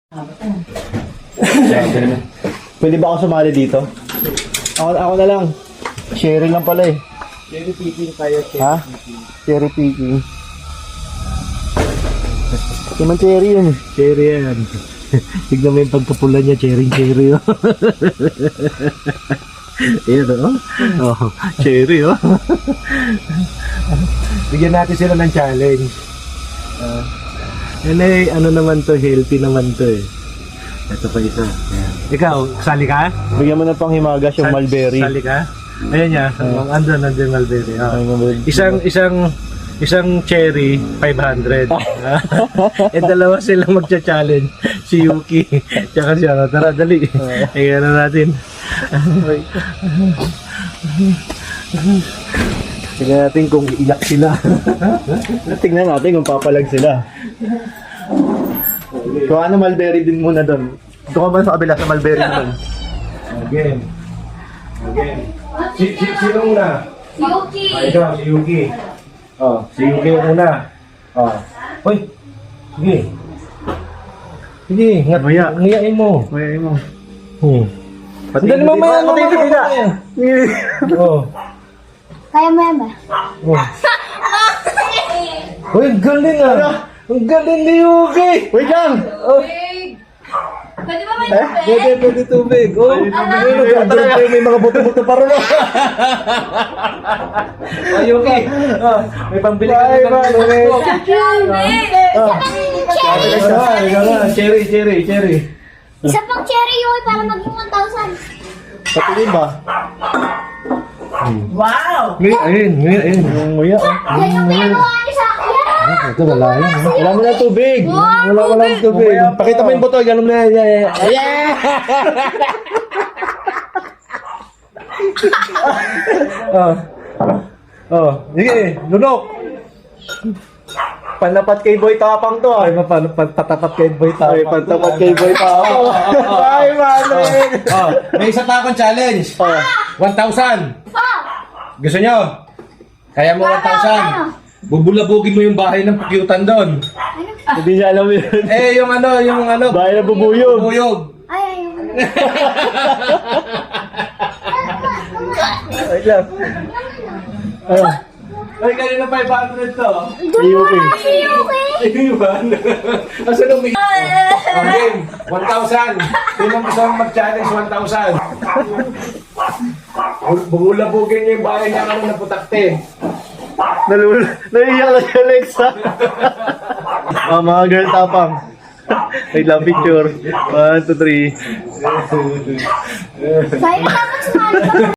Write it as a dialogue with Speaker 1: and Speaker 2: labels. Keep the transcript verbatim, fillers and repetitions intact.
Speaker 1: Pwede ba ako sumali dito? Ako, ako na lang. Sharing lang pala eh.
Speaker 2: Cherry picking tayo.
Speaker 1: Ha? Cherry picking. Naman cherry yun eh.
Speaker 2: Cherry yan. Tignan mo yung pagkapula niya, cherry cherry oh. Ayan oh. Oh, cherry oh. Bigyan natin sila ng challenge. Uh, yan eh, ano naman to, healthy naman to eh. Ito pa isa. Ayan. Ikaw, sali ka?
Speaker 1: Bigyan mo na pang himagas yung
Speaker 2: Sal-
Speaker 1: mulberry.
Speaker 2: Sali ka? Ayan niya, uh, andun, andun mulberry. Oh.
Speaker 1: Ay, mulberry.
Speaker 2: Isang, isang, isang cherry, five hundred. Eh, dalawa silang magcha-challenge. Si Yuki, tsaka siya. Tara, dali. Tingnan na natin. Tingnan natin kung iyak sila.
Speaker 1: Tingnan natin kung papalag sila. Kung ano, mulberry din muna doon. Ito ka ba sa kabila sa mulberry naman?
Speaker 2: Again. Again. Si, si, sino una?
Speaker 3: Yuki!
Speaker 2: Ah, ikaw, si Yuki. Oh, si Yuki yung una. Oh. Hoy. Sige. Sige, ngat
Speaker 1: Maya.
Speaker 2: ngayain mo.
Speaker 1: May mo.
Speaker 2: Hmm.
Speaker 1: Pati
Speaker 2: Dali
Speaker 1: hindi
Speaker 2: mamaya,
Speaker 1: pa- pati
Speaker 2: mamaya,
Speaker 1: hindi na.
Speaker 2: mamaya. Oh.
Speaker 3: Kaya mo yan ba?
Speaker 2: Oh. Hoy, ang galing ah. Ang galing ni Yuki.
Speaker 1: Wait lang!
Speaker 2: Oh.
Speaker 3: Pwede ba may
Speaker 1: Eh?
Speaker 2: Pwede, pwede tubig. Oh,
Speaker 1: Pwede tubig.
Speaker 2: Ayun, ang galing pa yun, may mga buto-buto pa rin. Oh, Yuki. Oh, may pambili ka
Speaker 1: Bye,
Speaker 2: ng
Speaker 1: bye,
Speaker 2: buto.
Speaker 1: bye.
Speaker 2: Oh.
Speaker 3: Cherry!
Speaker 2: Ikaw na, ikaw na. Cherry, cherry, cherry.
Speaker 3: Isa pang cherry yun para maging one thousand.
Speaker 1: Patingin ba?
Speaker 2: Ngayon, ayun, ngayon, ayun.
Speaker 1: Yung nguya. oh.
Speaker 3: Yan yung pinagawa niyo sa akin.
Speaker 2: Ito, wala yan. ah.
Speaker 1: Wala mo na tubig.
Speaker 2: Wala, wala yung tubig.
Speaker 1: Mamaya pa.
Speaker 2: Pakita mo yung buto, ganun na. Yeah, yeah. Yeah! Oh. Oh, sige, lunok.
Speaker 1: Panapat kay Boy Tapang to ah.
Speaker 2: Ay, mapan, patapat kay Boy Tapang.
Speaker 1: Ay, panapat kay Boy Tapang. Ay, Manuel.
Speaker 2: Oh, may isa pa akong challenge.
Speaker 1: Oh.
Speaker 2: one thousand.
Speaker 3: Oh!
Speaker 2: Gusto nyo? Kaya mo one thousand. Bubulabugin mo yung bahay ng pukyutan doon.
Speaker 1: Hindi niya alam yun.
Speaker 2: Eh, yung ano, yung ano.
Speaker 1: Bahay na bubuyog.
Speaker 2: Bubuyog.
Speaker 3: Ay, ayun.
Speaker 1: Wait lang. Ah,
Speaker 2: Ay, kanina five hundred to.
Speaker 1: si Yuki.
Speaker 3: Si Yuki!
Speaker 2: Ay, yung ba? Asa nung may... Okay, one thousand. Sino gusto mong mag-challenge one thousand? Bubulabugin niyo yung bahay niya ano na putakte.
Speaker 1: Nalul... Naiiyak na si Alexa. Ah, mga girl Tapang. Wait lang, picture. One, two, three.
Speaker 3: Sa'yo na dapat sumali ka.